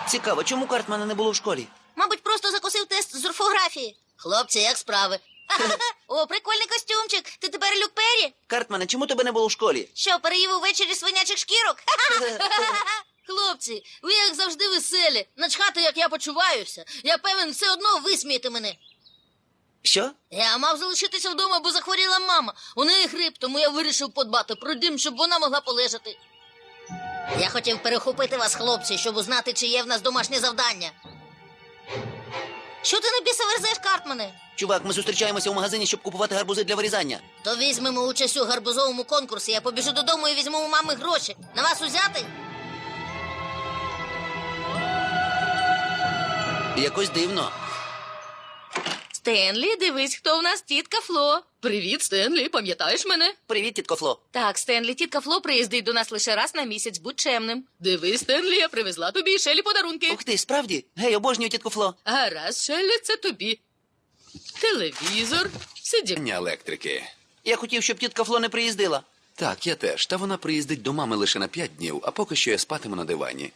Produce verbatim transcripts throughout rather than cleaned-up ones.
Цікаво, чому Картмана не було в школі? Мабуть, просто закусив тест з орфографії. Хлопці, як справи? О, прикольний костюмчик. Ти тепер Люк Перрі? Картмане, чому тебе не було в школі? Що, переїв увечері свинячих шкірок? Хлопці, ви як завжди веселі. Начхати, як я почуваюся. Я певен, все одно висмієте мене. Що? Я мав залишитися вдома, бо захворіла мама. У неї грип, тому я вирішив подбати про дім, щоб вона могла полежати. Я хотів перехопити вас, хлопці, щоб узнати, чи є в нас домашнє завдання. Що ти на біса верзеш, Картмане? Чувак, ми зустрічаємося у магазині, щоб купувати гарбузи для вирізання. То візьмемо участь у гарбузовому конкурсі. Я побіжу додому і візьму у мами гроші. На вас узяти? Якось дивно. Стенлі, дивись, хто в нас тітка Фло. Привіт, Стенлі, пам'ятаєш мене? Привіт, тітко Фло. Так, Стенлі, тітка Фло приїздить до нас лише раз на місяць, будь чемним. Дивись, Стенлі, я привезла тобі і Шелі подарунки. Ух ти, справді? Гей, обожнюю тітко Фло. Гаразд, Шелі, це тобі. Телевізор, сидіння. Ня електрики. Я хотів, щоб тітка Фло не приїздила. Так, я теж. Та вона приїздить до мами лише на п'ять днів, а поки що я спатиму на дивані.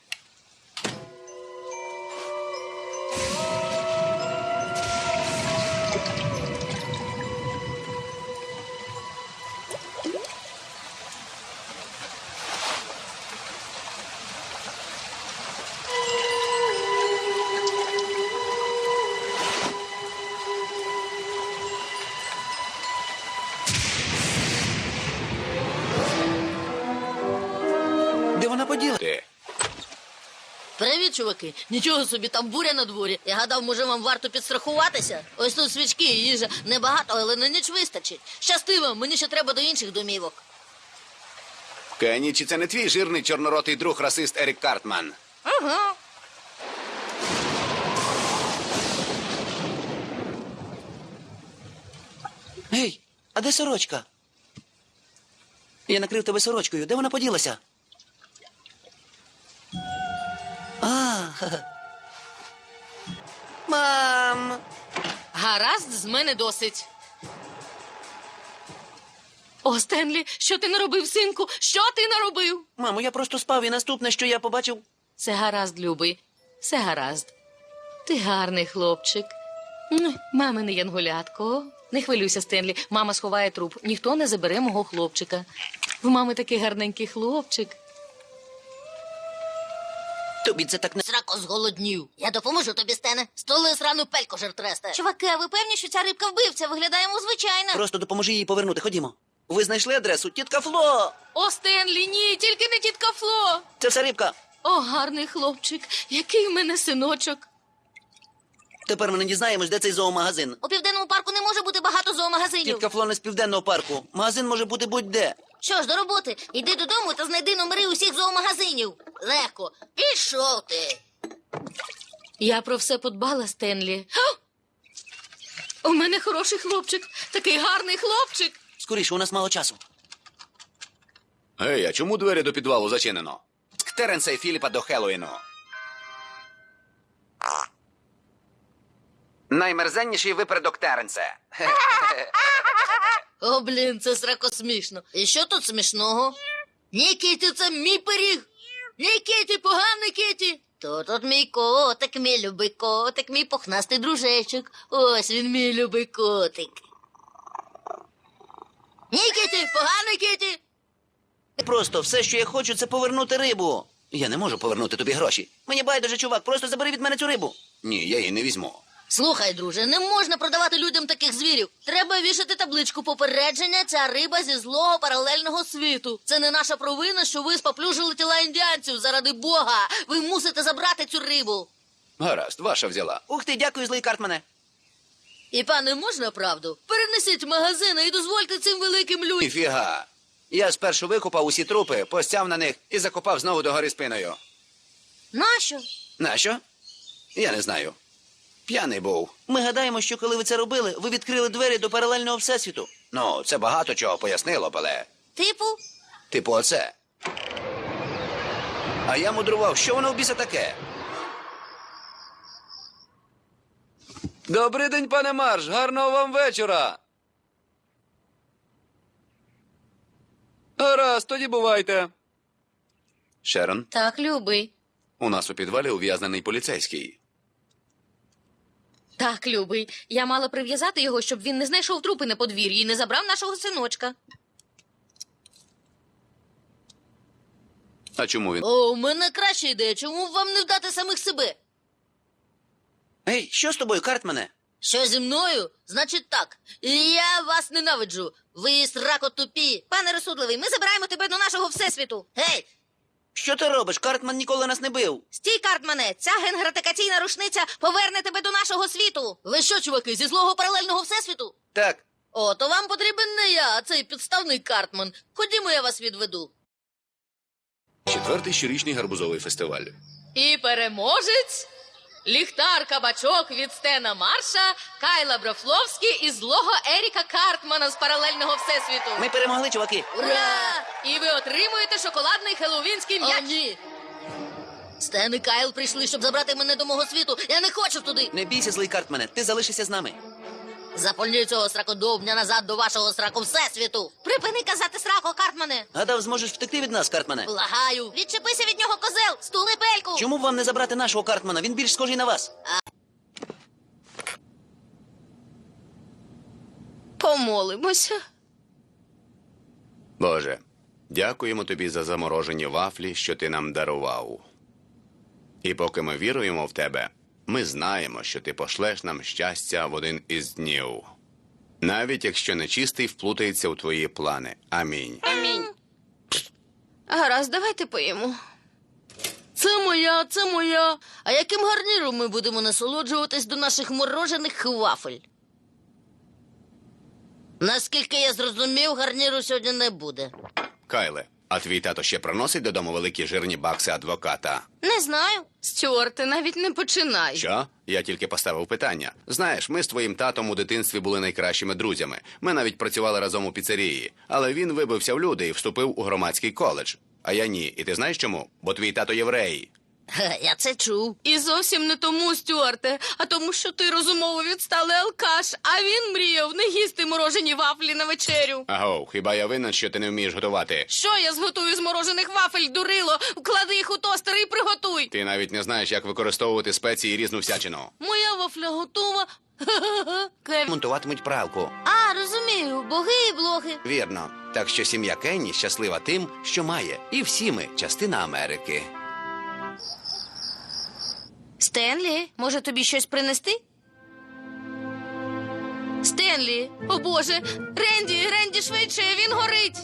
Де вона поділа? Ти. Привіт, чуваки. Нічого собі, там буря на дворі. Я гадав, може, вам варто підстрахуватися? Ось тут свічки і їжа. Небагато, але на ніч вистачить. Щасти вам, мені ще треба до інших домівок. Кенні, чи це не твій жирний чорноротий друг расист Ерік Картман? Ага. Гей, а де сорочка? Я накрив тебе сорочкою. Де вона поділася? А, ха-ха. Мам! Гаразд, з мене досить. О, Стенлі, що ти наробив, синку? Що ти наробив? Мамо, я просто спав, і наступне, що я побачив... Все гаразд, любий, все гаразд. Ти гарний хлопчик. М, Мамине янголятко. Не хвилюйся, Стенлі, мама сховає труп. Ніхто не забере мого хлопчика. В мами такий гарненький хлопчик. Тобі це так не... Срако зголоднів. Я допоможу тобі, Стене. Столи срану пельку жертресте. Чуваки, а ви певні, що ця рибка вбивця? Виглядає йому звичайно. Просто допоможи їй повернути. Ходімо. Ви знайшли адресу? Тітка Фло! О, Стенлі, ні, тільки не тітка Фло. Це все рибка. О, гарний хлопчик, який в мене синочок. Тепер ми не дізнаємось, де цей зоомагазин. У південному парку не може бути багато зоомагазинів. Тітка Фло не з південного парку. Магазин може бути будь-де. Що ж, до роботи. Йди додому та знайди номери усіх зоомагазинів. Легко. Пішов ти. Я про все подбала, Стенлі. Ха! У мене хороший хлопчик, такий гарний хлопчик. Скоріше, у нас мало часу. Гей, а чому двері до підвалу зачинено? Теренса і Філіпа до Хеллоуіну. Наймерзенніший випередок Теренсе. О, блін, це срако смішно. І що тут смішного? Ні, Кіті, це мій пиріг. Ні, Кіті, поганий Кіті. То тут мій котик, мій любий котик, мій пухнастий дружечок. Ось він, мій любий котик. Ні, Кіті, поганий Кіті. Просто все, що я хочу, це повернути рибу. Я не можу повернути тобі гроші. Мені байдуже, чувак, просто забери від мене цю рибу. Ні, я її не візьму. Слухай, друже, не можна продавати людям таких звірів. Треба вішати табличку попередження «Ця риба зі злого паралельного світу». Це не наша провина, що ви споплюжили тіла індіанців. Заради Бога, ви мусите забрати цю рибу. Гаразд, ваша взяла. Ух ти, дякую, злий Картмане. І, пане, можна правду? Перенесіть магазини і дозвольте цим великим людям. Ніфіга. Я спершу викопав усі трупи, постяв на них і закопав знову догори спиною. Нащо? Нащо? Я не знаю. П'яний був. Ми гадаємо, що коли ви це робили, ви відкрили двері до паралельного всесвіту. Ну, це багато чого пояснило, але... Типу? Типу оце. А я мудрував, що воно в біса таке? Добрий день, пане Марш. Гарного вам вечора. Гаразд, тоді бувайте. Шерон, Так, любий. У нас у підвалі ув'язнений поліцейський. Так, любий, я мала прив'язати його, щоб він не знайшов трупи на подвір'ї і не забрав нашого синочка. А чому він? О, у мене краща ідея. Чому б вам не вдати самих себе? Ей, що з тобою, Картмане? Що зі мною? Значить так. Я вас ненавиджу. Ви срако тупі. Пане розсудливий, ми забираємо тебе до нашого всесвіту. Гей! Що ти робиш? Картман ніколи нас не бив. Стій, Картмане, ця генгратикаційна рушниця поверне тебе до нашого світу. Ви що, чуваки, зі злого паралельного всесвіту? Так. О, то вам потрібен не я, а цей підставний Картман. Ходімо, я вас відведу. Четвертий щорічний гарбузовий фестиваль. І переможець ліхтар кабачок від Стена Марша, Кайла Брофловський і злого Еріка Картмана з паралельного всесвіту. Ми перемогли, чуваки. Ура! І ви отримуєте шоколадний хеллоуінський О, м'яч. ні! Стен і Кайл прийшли, щоб забрати мене до мого світу. Я не хочу туди. Не бійся, злий Картмане, ти залишишся з нами. Запальню цього сракодовня назад до вашого сраку всесвіту. Припини казати срако, Картмане. Гадав, зможеш втекти від нас, Картмане. Благаю. Відчепися від нього, козел, стули пельку. Чому б вам не забрати нашого Картмана? Він більш схожий на вас. Помолимося. Боже, дякуємо тобі за заморожені вафлі, що ти нам дарував. І поки ми віруємо в тебе, ми знаємо, що ти пошлеш нам щастя в один із днів. Навіть якщо нечистий вплутається у твої плани. Амінь. Амінь. Гаразд, давайте поїмо. Це моя, це моя. А яким гарніром ми будемо насолоджуватись до наших морожених вафель? Наскільки я зрозумів, гарніру сьогодні не буде. Кайле, а твій тато ще приносить додому великі жирні бакси адвоката? Не знаю. Стюарте, навіть не починай. Що? Я тільки поставив питання. Знаєш, ми з твоїм татом у дитинстві були найкращими друзями. Ми навіть працювали разом у піцерії. Але він вибився в люди і вступив у громадський коледж. А я ні. І ти знаєш чому? Бо твій тато єврей. Ге, я це чув. І зовсім не тому, Стюарте, а тому, що ти розумово відсталий алкаш, а він мріяв не їсти морожені вафлі на вечерю. Агов, хіба я винен, що ти не вмієш готувати? Що я зготую з морожених вафель, дурило? Вклади їх у тостер і приготуй. Ти навіть не знаєш, як використовувати спеції і різну всячину. Моя вафля готова. Кевін. Монтуватимуть пралку. А, розумію, боги і блоги. Вірно. Так що сім'я Кенні щаслива тим, що має. І всі ми частина Америки. Стенлі, може тобі щось принести? Стенлі, о Боже, Ренді, Ренді швидше, він горить.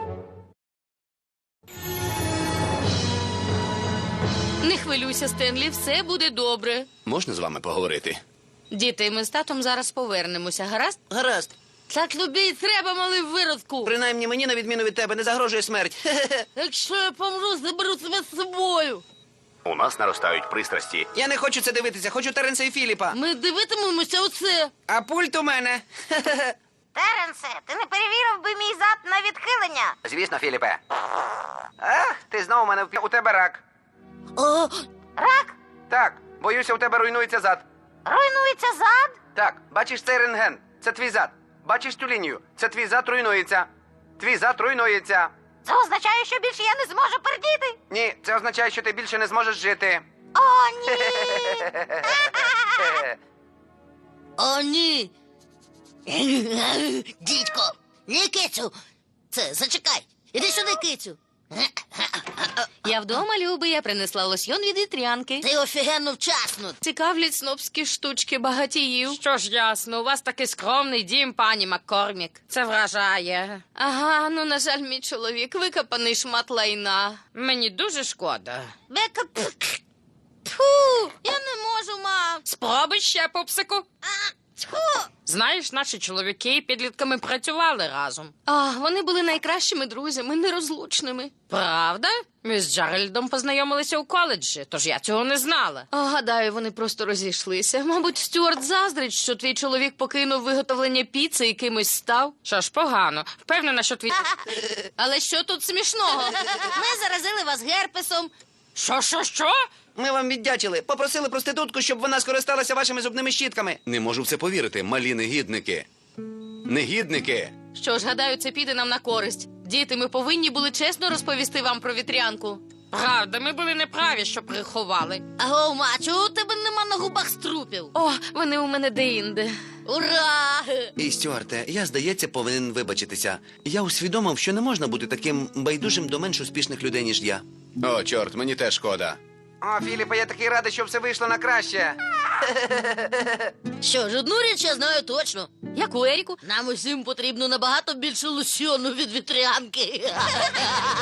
Не хвилюйся, Стенлі, все буде добре. Можна з вами поговорити? Діти, ми з татом зараз повернемося, гаразд? Гаразд. Так тобі й треба, малий виродку. Принаймні мені, на відміну від тебе, не загрожує смерть. Хе-хе-хе. Якщо я помру, заберу тебе з собою. У нас наростають пристрасті. Я не хочу це дивитися, хочу Теренса і Філіпа. Ми дивитимемося оце. А пульт у мене. Хе-хе-хе. Теренсе, ти не перевірив би мій зад на відхилення? Звісно, Філіпе. Ах, ти знову у мене у тебе рак. О, Рак? Так, боюся, у тебе руйнується зад. Руйнується зад? Так, бачиш цей рентген? Це твій зад. Бачиш цю лінію? Це твій зад руйнується. Твій зад руйнується. Це означає, що більше я не зможу пердіти? Ні, це означає, що ти більше не зможеш жити. О, ні! о, ні. Дідько, ні, кицю. Це, зачекай. Іди сюди, кицю. Я вдома, любий, я принесла лосьйон від вітрянки. Ти офігенно вчасно. Цікавлять снобські штучки багатіїв. Що ж ясно, у вас такий скромний дім, пані Маккормік. Це вражає. Ага, ну, на жаль, мій чоловік викопаний шмат лайна. Мені дуже шкода. Бека, фу, я не можу, мам. Спробуй ще, пупсику. Тьфу. Знаєш, наші чоловіки підлітками працювали разом. А, вони були найкращими друзями, нерозлучними. Правда? Ми з Джеральдом познайомилися у коледжі, тож я цього не знала. А, гадаю, вони просто розійшлися. Мабуть, Стюарт заздрить, що твій чоловік покинув виготовлення піци і кимось став. Що ж погано. Впевнена, що твій... Але що тут смішного? Ми заразили вас герпесом. Що, що, що? Ми вам віддячили. Попросили проститутку, щоб вона скористалася вашими зубними щітками. Не можу в це повірити, малі негідники. Негідники! Що ж, гадаю, це піде нам на користь. Діти, ми повинні були чесно розповісти вам про вітрянку. Правда, ми були неправі, що приховали. Аго, ма, чого у тебе нема на губах струпів? О, вони у мене деінде. Ура! І, Стюарте, я, здається, повинен вибачитися. Я усвідомив, що не можна бути таким байдужим до менш успішних людей, ніж я. О, чорт, мені теж шкода. О, Філіпе, я такий радий, що все вийшло на краще. Що ж, одну річ я знаю точно. Яку, Еріку? Нам усім потрібно набагато більше лосьону від вітрянки.